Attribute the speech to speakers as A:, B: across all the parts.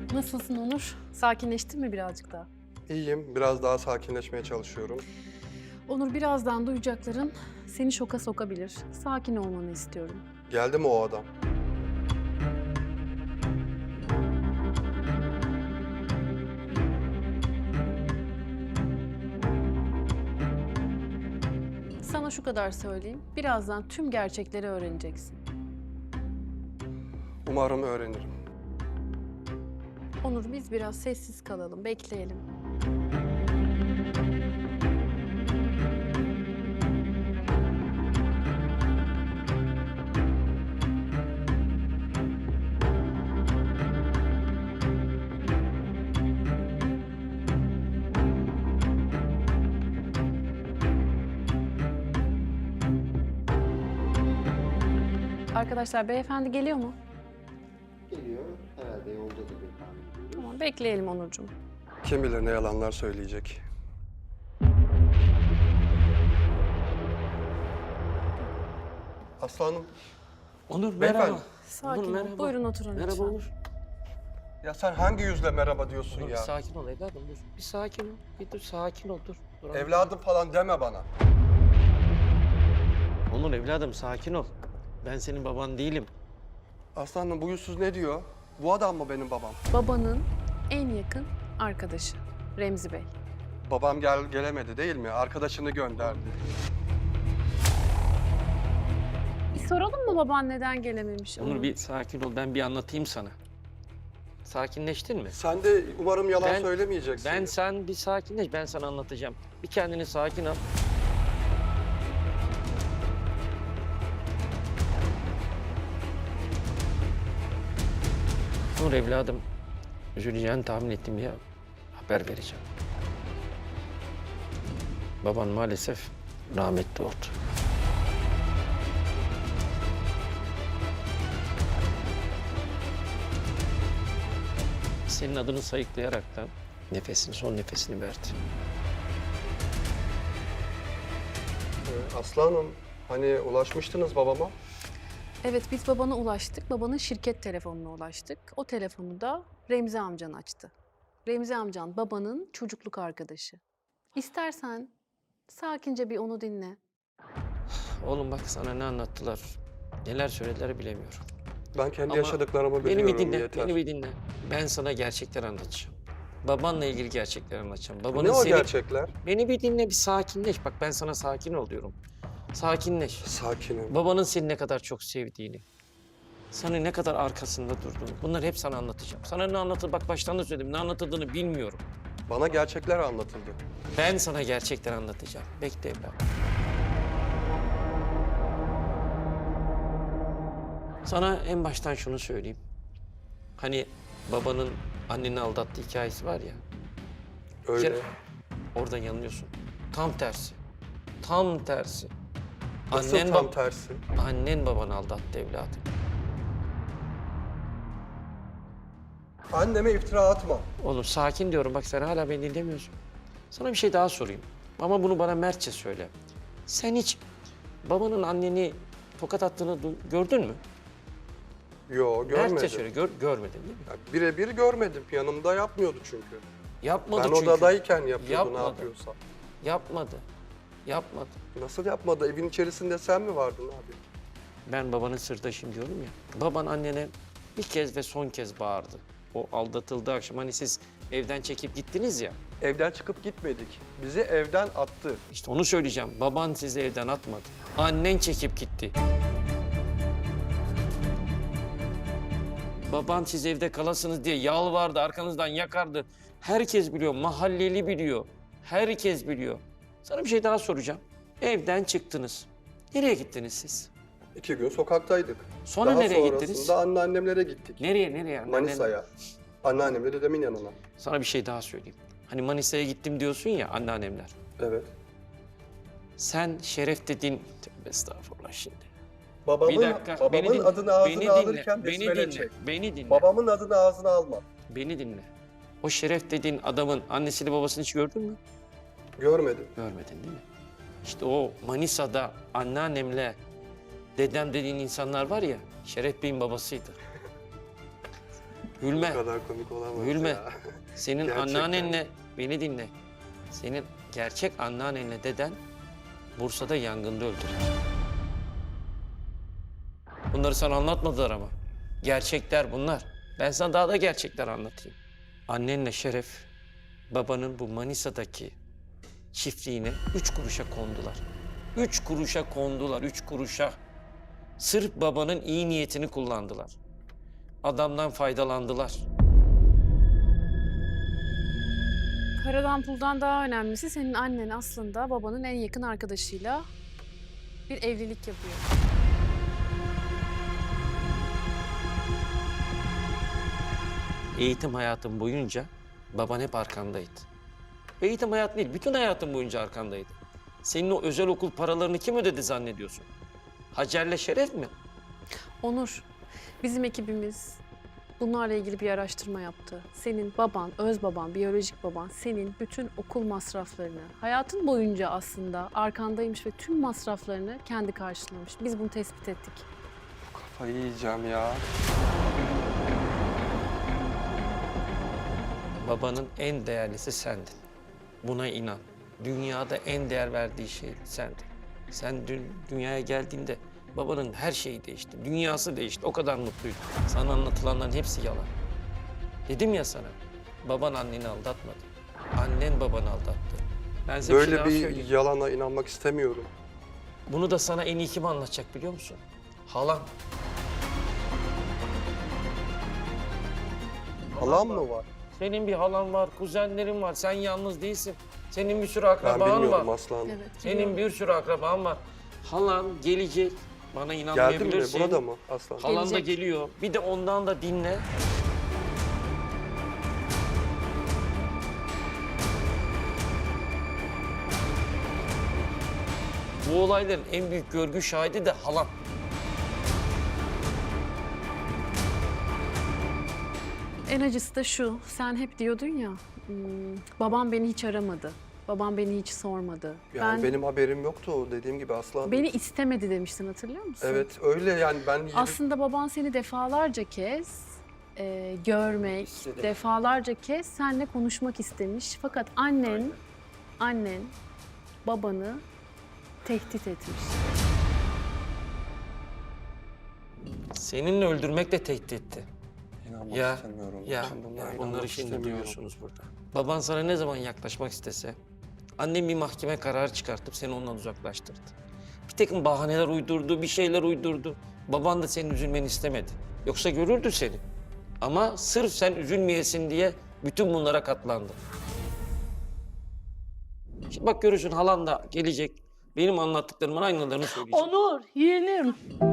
A: Nasılsın Onur? Sakinleştin mi birazcık daha?
B: İyiyim, biraz daha sakinleşmeye çalışıyorum.
A: Onur, birazdan duyacakların seni şoka sokabilir. Sakin olmanı istiyorum.
B: Geldi mi o adam?
A: Sana şu kadar söyleyeyim. Birazdan tüm gerçekleri öğreneceksin.
B: Umarım öğrenirim.
A: Onur, biz biraz sessiz kalalım, bekleyelim. Arkadaşlar, beyefendi geliyor mu?
C: Geliyor. Herhalde yoldadır diye tahmin ediyoruz.
A: Tamam, bekleyelim Onurcuğum.
B: Kim bilir ne yalanlar söyleyecek. Aslanım,
D: Onur
B: Beyefendi.
D: merhaba.
A: Sakin
D: Onur
A: ol.
D: merhaba.
A: Buyurun oturun
D: Merhaba
A: lütfen.
D: Onur.
B: ya sen hangi yüzle merhaba diyorsun
D: Onur bir
B: ya?
D: sakin ol evladım dur. Bir sakin ol. Bir dur sakin ol dur. Dur anlatayım.
B: Evladım falan deme bana.
D: Onur evladım sakin ol. Ben senin baban değilim.
B: Aslanım bu yüzsüz ne diyor? Bu adam mı benim babam?
A: Babanın en yakın arkadaşı Remzi Bey.
B: Babam gelemedi değil mi? Arkadaşını gönderdi.
A: Bir soralım mı baban neden gelememiş?
D: Onur bir sakin ol ben bir anlatayım sana. Sakinleştin mi?
B: Sen de umarım yalan
D: Ben-
B: söylemeyeceksin.
D: Sen bir sakinleş ben sana anlatacağım. Bir kendini sakin al. Onur evladım üzüleceğini tahmin ettim ya. Haber vereceğim. Baban maalesef rahmetli oldu. Senin adını sayıklayaraktan son nefesini verdi.
B: Aslanım, hani ulaşmıştınız babama?
A: Evet, biz babana ulaştık. Babanın şirket telefonuna ulaştık. O telefonu da Remzi amcan açtı. Remzi amcan babanın çocukluk arkadaşı. İstersen sakince bir onu dinle.
D: Oğlum bak sana ne anlattılar, neler söylediler bilemiyorum.
B: Ben kendi
D: Ama
B: yaşadıklarımı
D: Beni
B: biliyorum,
D: bir dinle,
B: yeter.
D: beni bir dinle. Ben sana gerçekler anlatacağım. Babanla ilgili gerçekler anlatacağım. Babanın
B: Ne o
D: seni...
B: gerçekler?
D: Beni bir dinle, bir sakinleş. Bak ben sana sakin ol diyorum. Sakinleş.
B: Sakinim.
D: Babanın seni ne kadar çok sevdiğini, sana ne kadar arkasında durduğunu, bunları hep sana anlatacağım. Sana ne anlatır, bak baştan da söyledim, ne anlatıldığını bilmiyorum.
B: Bana gerçekler anlatıldı.
D: Ben sana gerçekten anlatacağım. Bekle evladım. Sana en baştan şunu söyleyeyim. Hani babanın anneni aldattığı hikayesi var ya. Bir
B: Öyle.
D: kere orada yanılıyorsun. Tam tersi. Tam tersi.
B: Nasıl tam tersi?
D: Annen babanı aldattı evladım.
B: Anneme iftira atma.
D: Oğlum sakin diyorum bak sen hala beni dinlemiyorsun. Sana bir şey daha sorayım. Ama bunu bana mertçe söyle. Sen hiç babanın anneni tokat attığını gördün mü?
B: Yo, görmedim.
D: Mertçe söyle görmedin değil mi?
B: Ya, birebir görmedim. Yanımda yapmıyordu çünkü.
D: Yapmadı
B: Ben
D: çünkü.
B: odadayken yapıyordu
D: Yapmadı.
B: ne yapıyorsa.
D: Yapmadı. Yapmadı.
B: Nasıl yapmadı? Evin içerisinde sen mi vardın abi?
D: Ben babanın sırdaşıyım diyorum ya. Baban annene bir kez ve son kez bağırdı. O aldatıldığı akşam hani siz evden çekip gittiniz ya.
B: Evden çıkıp gitmedik. Bizi evden attı.
D: İşte onu söyleyeceğim. Baban sizi evden atmadı. Annen çekip gitti. Baban siz evde kalasınız diye yalvardı, arkanızdan yakardı. Herkes biliyor, mahalleli biliyor. Herkes biliyor. Sana bir şey daha soracağım. Evden çıktınız. Nereye gittiniz siz?
B: 2 gün sokaktaydık.
D: Sonra
B: Daha
D: nereye
B: sonrasında
D: gittiniz?
B: anneannemlere gittik.
D: Nereye?
B: Manisa'ya. Anneannemle dedemin yanına.
D: Sana bir şey daha söyleyeyim. Hani Manisa'ya gittim diyorsun ya anneannemler.
B: Evet.
D: Sen Şeref dediğin... Tövbe estağfurullah şimdi.
B: Babamın,
D: Bir dakika,
B: babamın
D: beni dinle.
B: adını ağzına
D: Beni dinle,
B: alırken
D: beni
B: besmele
D: dinle,
B: çek.
D: beni dinle.
B: Babamın adını ağzına alma.
D: Beni dinle. O Şeref dediğin adamın annesiyle babasını hiç gördün mü?
B: Görmedim.
D: Görmedin değil mi? İşte o Manisa'da anneannemle dedem dediğin insanlar var ya, Şeref Bey'in babasıydı. Gülme.
B: Bu kadar komik olamaz
D: Gülme.
B: ya.
D: Senin
B: Gerçekten.
D: anneannenle, beni dinle. Senin gerçek anneannenle deden Bursa'da yangında öldüler. Bunları sana anlatmadılar ama. Gerçekler bunlar. Ben sana daha da gerçekler anlatayım. Annenle Şeref, babanın bu Manisa'daki çiftliğine 3 kuruşa kondular. 3 kuruşa kondular, 3 kuruşa. Sırf babanın iyi niyetini kullandılar. Adamdan faydalandılar.
A: Paradan puldan daha önemlisi senin annen aslında babanın en yakın arkadaşıyla bir evlilik yapıyor.
D: Eğitim hayatım boyunca baban hep arkandaydı. Eğitim hayatı değil, bütün hayatım boyunca arkandaydı. Senin o özel okul paralarını kim ödedi zannediyorsun? Hacer'le Şeref mi?
A: Onur, bizim ekibimiz bunlarla ilgili bir araştırma yaptı. Senin baban, öz baban, biyolojik baban senin bütün okul masraflarını, hayatın boyunca aslında arkandaymış ve tüm masraflarını kendi karşılamış. Biz bunu tespit ettik.
B: Kafayı yiyeceğim ya.
D: Babanın en değerlisi sendin. Buna inan. Dünyada en değer verdiği şey sendin. Sen dün dünyaya geldiğinde babanın her şeyi değişti. Dünyası değişti. O kadar mutluydu. Sana anlatılanların hepsi yalan. Dedim ya sana, baban anneni aldatmadı. Annen babanı aldattı. Ben size bir şey
B: Böyle
D: daha
B: bir
D: söyleyeyim.
B: yalana inanmak istemiyorum.
D: Bunu da sana en iyi kim anlatacak biliyor musun? Halan.
B: Halam mı var?
D: Senin bir halan var, kuzenlerin var. Sen yalnız değilsin. Senin bir sürü
B: Ben
D: akraban var.
B: bilmiyorum Aslan.
A: Evet.
D: Senin bir sürü akraban var. Halan gelecek. Bana
B: Geldi mi?
D: inanmayabilirsin.
B: Burada mı Aslan?
D: Halan da
A: Gelecek.
D: geliyor. Bir de ondan da dinle. Bu olayların en büyük görgü şahidi de halan.
A: En acısı da şu, sen hep diyordun ya, babam beni hiç aramadı, babam beni hiç sormadı.
B: Yani benim haberim yoktu o dediğim gibi Aslan.
A: Beni istemedi demiştin, hatırlıyor musun?
B: Evet öyle yani ben
A: Aslında baban seni defalarca kez görmek,
D: İstedi.
A: defalarca kez seninle konuşmak istemiş. Fakat annen babanı tehdit etmiş.
D: Seninle öldürmek de tehdit etti.
B: inanmak
D: Ya,
B: istemiyorum.
D: ya,
B: Ben bunlara
D: ya
B: inanmak
D: bunları şimdi
B: istemiyorum.
D: duyuyorsunuz burada. Baban sana ne zaman yaklaşmak istese, annem bir mahkeme kararı çıkartıp seni ondan uzaklaştırdı. Bir takım bahaneler uydurdu, bir şeyler uydurdu. Baban da senin üzülmeni istemedi. Yoksa görürdü seni. Ama sırf sen üzülmeyesin diye bütün bunlara katlandı. Şimdi bak görürsün halan da gelecek. Benim anlattıklarımın aynılarını söyleyecek.
E: Onur, yeğenim.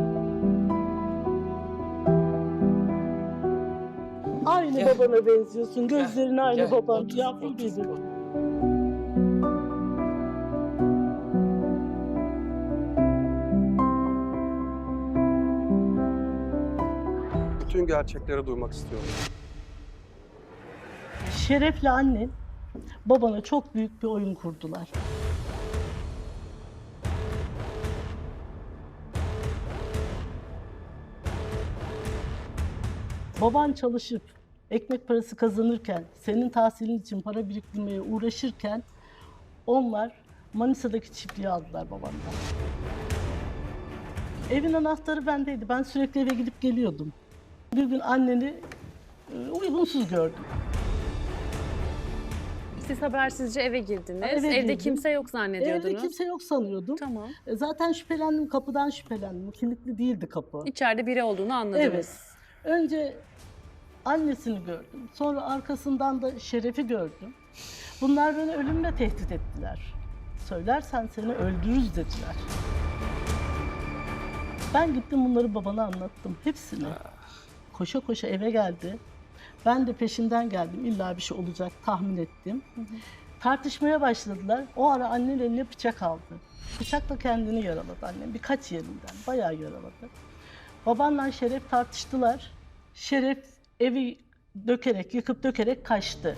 E: Aynı
D: Gel.
E: babana benziyorsun. Gözlerin aynı
D: Gel,
E: baban.
D: otur,
E: Yavrum
D: otur,
E: benim.
D: otur.
B: Bütün gerçekleri duymak istiyorum.
E: Şeref'le annen babana çok büyük bir oyun kurdular. Baban çalışıp ekmek parası kazanırken, senin tahsilin için para biriktirmeye uğraşırken onlar Manisa'daki çiftliği aldılar babandan. Evin anahtarı bendeydi. Ben sürekli eve gidip geliyordum. Bir gün anneni uygunsuz gördüm.
A: Siz habersizce eve girdiniz.
E: Eve
A: Evde
E: girdim.
A: kimse yok zannediyordunuz.
E: Evde kimse yok sanıyordum.
A: Tamam.
E: Zaten şüphelendim, kapıdan şüphelendim. Kilitli değildi kapı.
A: İçeride biri olduğunu anladınız.
E: Evet. Önce annesini gördüm. Sonra arkasından da Şeref'i gördüm. Bunlar beni ölümle tehdit ettiler. Söylersen seni öldürürüz dediler. Ben gittim bunları babana anlattım. Hepsini. Koşa koşa eve geldi. Ben de peşinden geldim. İlla bir şey olacak tahmin ettim. Tartışmaya başladılar. O ara annen eline bıçak aldı. Bıçakla kendini yaraladı annem. Birkaç yerinden. Bayağı yaraladı. Babanla Şeref tartıştılar. Şeref evi dökerek, yıkıp dökerek kaçtı.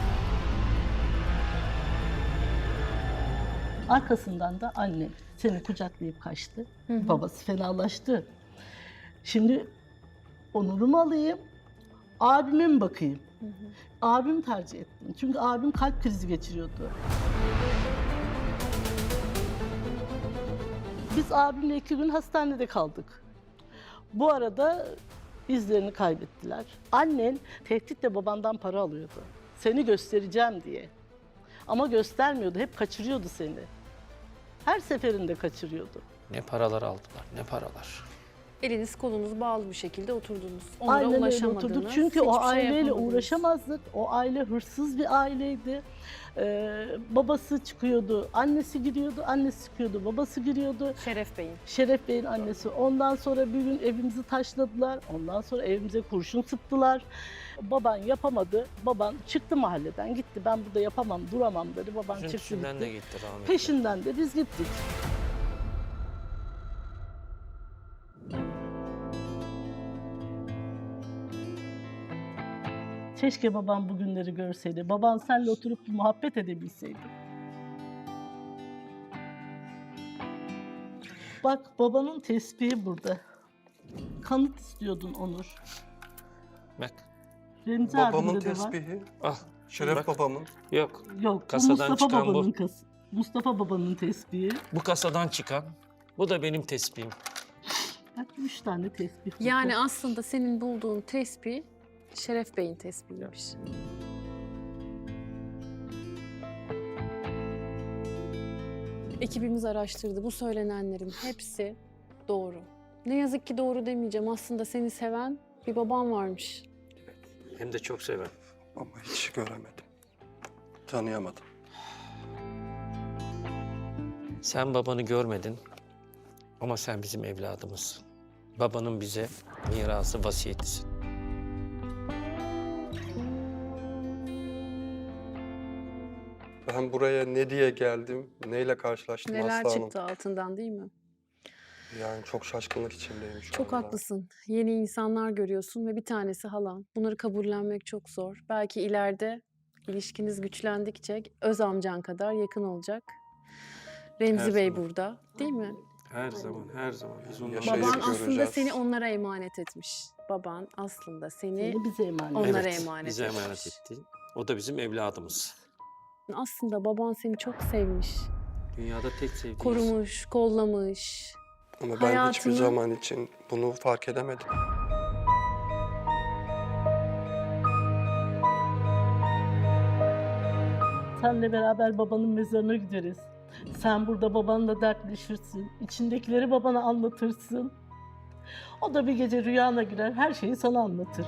E: Arkasından da annem seni kucaklayıp kaçtı. Babası fenalaştı. Şimdi Onur'u mu alayım, Abime mi bakayım? Abimi tercih ettim. Çünkü abim kalp krizi geçiriyordu. Biz abimle 2 gün hastanede kaldık. Bu arada izlerini kaybettiler. Annen tehditle babandan para alıyordu. Seni göstereceğim diye. Ama göstermiyordu, hep kaçırıyordu seni. Her seferinde kaçırıyordu.
D: Ne paralar aldılar, ne paralar.
A: Eliniz kolunuz bağlı bir şekilde oturdunuz. Onlara
E: Aynen öyle
A: ulaşamadınız.
E: oturduk. Çünkü o
A: hiçbir şey
E: aileyle
A: yapamadınız.
E: uğraşamazdık. O aile hırsız bir aileydi. Babası çıkıyordu, annesi giriyordu, annesi çıkıyordu, babası giriyordu.
A: Şeref Bey'in.
E: Şeref Bey'in annesi. Ondan sonra bir gün evimizi taşladılar. Ondan sonra evimize kurşun sıktılar. Baban yapamadı. Baban çıktı mahalleden gitti. Ben burada yapamam, duramam dedi. Baban çıktı
D: Peşinden
E: gitti.
D: de gitti rahmetli.
E: Peşinden de biz gittik. Keşke babam bugünleri görseydi. Baban seninle oturup bir muhabbet edebilseydi. Bak babanın tespihi burada. Kanıt istiyordun Onur.
D: Bak,
E: Remzi
B: Babamın
E: abimde de var.
B: tespihi,
D: al.
B: Şeref
D: Bak.
B: babamın.
D: Yok,
E: Yok, bu
D: Kasadan
E: Mustafa
D: çıkan bu.
E: babanın Mustafa babanın tespihi.
D: bu kasadan çıkan, bu da benim tespihim.
E: Bak 3 tane tespih. burada.
A: Yani aslında senin bulduğun tespih Şeref Bey'in tespihiymiş. Ekibimiz araştırdı. Bu söylenenlerin hepsi doğru. Ne yazık ki doğru demeyeceğim. Aslında seni seven bir baban varmış.
D: Hem de çok seven.
B: Ama hiç göremedim. Tanıyamadım.
D: Sen babanı görmedin ama sen bizim evladımızsın. Babanın bize mirası, vasiyetisin.
B: Ben buraya ne diye geldim, neyle karşılaştım
A: Neler
B: Aslı Hanım.
A: çıktı altından değil mi?
B: Yani çok şaşkınlık içindeyim şu
A: Çok
B: anda.
A: haklısın. Yeni insanlar görüyorsun ve bir tanesi halan. Bunları kabullenmek çok zor. Belki ileride ilişkiniz güçlendikçe öz amcan kadar yakın olacak. Remzi
D: Her
A: Bey
D: zaman.
A: burada, değil mi?
D: Her zaman, her zaman. Biz onunla
B: Yaşayıp
A: Baban aslında
B: göreceğiz.
A: seni onlara emanet etmiş. Baban aslında seni
E: Seni bize emanet.
A: onlara
D: Evet,
A: emanet
D: bize
A: etmiş.
D: emanet etti. O da bizim evladımız.
A: Aslında baban seni çok sevmiş,
D: Dünyada tek sevdiğimiz.
A: korumuş, kollamış.
B: Ama ben hiçbir
A: hayatını-
B: zaman için bunu fark edemedim.
E: Senle beraber babanın mezarına gideriz. Sen burada babanla dertleşirsin. İçindekileri babana anlatırsın. O da bir gece rüyana girer, her şeyi sana anlatır.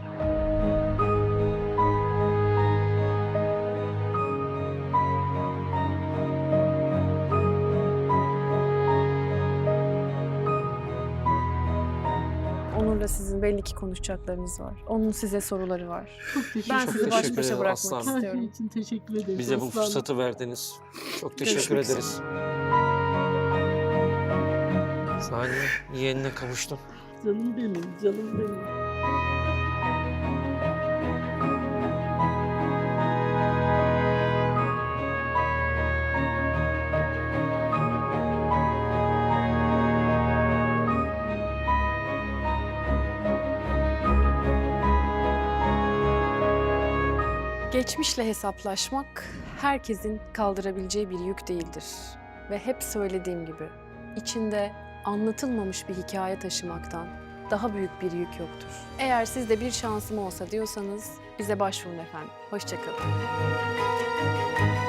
A: Onur'la sizin belli ki konuşacaklarınız var. Onun size soruları var.
E: Çok teşekkür
A: Ben
E: ederim.
A: sizi baş
D: teşekkür
A: başa
D: ederim
A: bırakmak
D: aslanım.
E: Her şey
A: istiyorum.
E: için teşekkür ederim.
D: Bize bu
E: aslanım.
D: fırsatı verdiniz. Çok teşekkür
A: Görüşmek üzere.
D: ederiz. Saniye, yeğenine kavuştun.
E: Canım benim, canım benim.
A: Geçmişle hesaplaşmak herkesin kaldırabileceği bir yük değildir. Ve hep söylediğim gibi içinde anlatılmamış bir hikaye taşımaktan daha büyük bir yük yoktur. Eğer sizde bir şansım olsa diyorsanız bize başvurun efendim. Hoşça kalın.